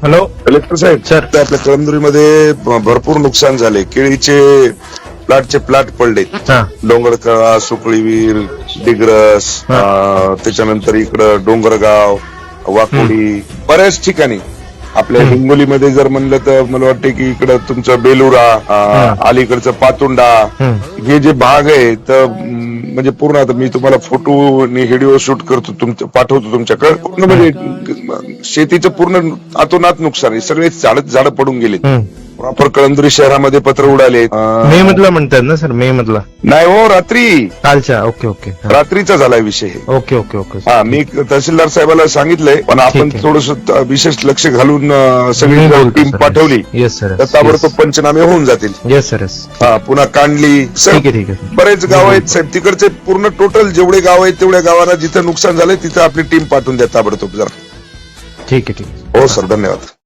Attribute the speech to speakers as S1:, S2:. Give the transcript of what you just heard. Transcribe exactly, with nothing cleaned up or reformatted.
S1: Hello
S2: collector साहेब,
S1: sir.
S2: ते आपल्या कळमनुरीमध्ये भरपूर नुकसान झाले. केळीचे प्लॉटचे प्लॉट पडले.
S1: हा
S2: डोंगरकळा, सुकळीवीर, डिग्रस,
S1: हा.
S2: अं, त्याच्यानंतर इकडं डोंगरगाव, वाकोडी, बऱ्याच ठिकाणी. आपल्या
S1: हम्म.
S2: हिंगोलीमध्ये जर म्हणलं तर मला वाटतं की इकडं तुमचं बेलुरा, अं,
S1: हम्म.
S2: अलीकडचं पातुंडा,
S1: हम्म.
S2: हे जे भाग आहे तर अं, म्हणजे पूर्ण आता मी तुम्हाला फोटो आणि व्हिडिओ शूट करतो, तुमचं पाठवतो तुमच्याकडे. पूर्ण म्हणजे शेतीचं पूर्ण अतोनात नुकसान आहे. सगळे झाड झाडं पडून गेले.
S1: हम्म.
S2: प्रॉपर कळमनुरी शहरामध्ये पत्र उडाले. अं,
S1: मे मधला म्हणतात ना सर, मे मधला
S2: नाही हो, रात्री
S1: कालच्या. ओके ओके हा.
S2: रात्रीचा झालाय विषय हे.
S1: ओके ओके ओके
S2: हा, मी तहसीलदार साहेबाला सांगितलंय, पण आपण
S1: ठीक आहे.
S2: थोडस विशेष लक्ष घालून अं, सगळी
S1: मी बोलतो
S2: टीम
S1: सर.
S2: पाठवली
S1: येस सर.
S2: तर ताबडतोब पंचनामे होऊन जातील.
S1: Yes sir. येस.
S2: हा, पुन्हा कांडली सर,
S1: ठीक आहे ठीक आहे.
S2: बरेच गाव आहेत साहेब तिकडचे. पूर्ण टोटल जेवढे गाव आहेत तेवढ्या गावांना जिथं नुकसान झालंय तिथं आपली टीम पाठवून द्या ताबडतोब जरा.
S1: ठीक आहे ठीक आहे.
S2: हो सर, धन्यवाद.